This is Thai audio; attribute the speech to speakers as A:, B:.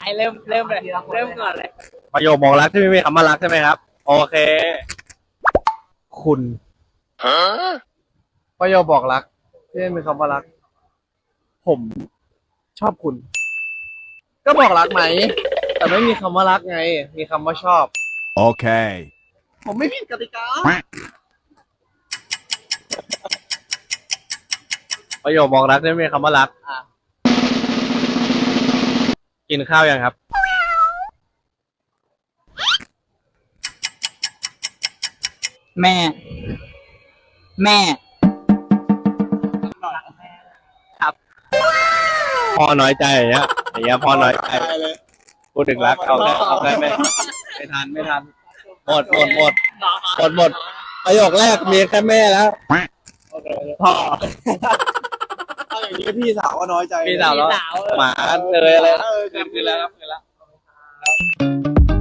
A: ให้เริ่มเลยเริ่มก่อนเลย
B: ประโยคบอกรักที่ไม่มีคำว่ารักใช่ไหมครับโอเคคุณประโยคบอกรักที่ไม่มีคำว่ารักผมชอบคุณก็บอกรักไหมแต่ไม่มีคำว่ารักไงมีคำว่าชอบ
C: Okay.
B: ผมไม่ผิดกติกาประโยคบอกรักที่ไม่มีคำว่ารักกินข้าวยังครับ
A: แม่ครับ
B: พ่อน้อยใจอย่างเงี้ยพ่อน้อยใจพูดถึงรักเอาได้ไหมไม่ทันหมดประโยคแรกมีแค่แม่แล้วพ่อ
D: ถ้าอย่างนี้พี่สาวก็น้อยใจ
B: พี่สาวแล้วหมาเลยอะไรคืนแล้วครับ